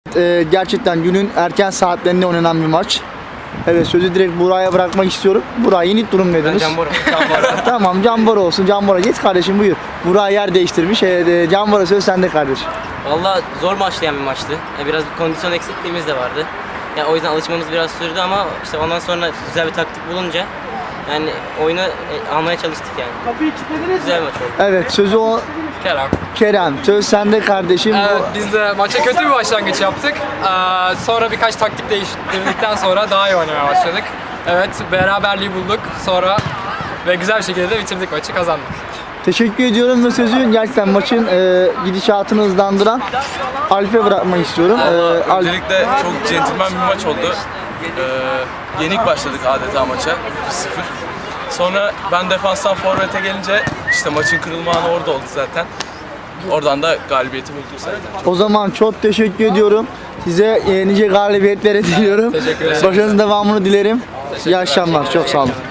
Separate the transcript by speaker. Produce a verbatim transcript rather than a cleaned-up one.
Speaker 1: Ee, gerçekten günün erken saatlerinde oynanan bir maç. Evet, sözü direkt Buray'a bırakmak istiyorum. Buray, yenik durum dediniz.
Speaker 2: Can Bora. Can Bora.
Speaker 1: Tamam, Can Bora olsun. Can Bora geç kardeşim, buyur. Buray yer değiştirmiş. Evet, Can Bora söz sende kardeşim.
Speaker 2: Valla zor başlayan bir maçtı. Ya biraz bir kondisyon eksikliğimiz de vardı. Ya o yüzden alışmamız biraz sürdü ama işte ondan sonra güzel bir taktik bulunca yani oyunu e, almaya çalıştık yani. Güzel bir maç oldu.
Speaker 1: Evet, sözü o
Speaker 3: Kerem.
Speaker 1: Kerem. Söz sende kardeşim.
Speaker 3: Evet, biz de maça kötü bir başlangıç yaptık. Ee, sonra birkaç taktik değiştirdikten sonra daha iyi oynamaya başladık. Evet, beraberliği bulduk sonra ve güzel bir şekilde de bitirdik maçı, kazandık.
Speaker 1: Teşekkür ediyorum ve sözü gerçekten maçın e, gidişatını hızlandıran Alp'e bırakmak istiyorum. Ee, Alp,
Speaker 4: Öncelikle çok centilmen bir maç oldu. Ee, yenik başladık adeta maça bir sıfır. Sonra ben defanstan forvete gelince işte maçın kırılma anı orada oldu zaten. Oradan da galibiyeti bulduk zaten.
Speaker 1: o zaman çok teşekkür ediyorum. Size e, nice galibiyetler diliyorum.
Speaker 3: Teşekkür ederim.
Speaker 1: Başarınızın devamını dilerim. İyi akşamlar. Çok sağ olun.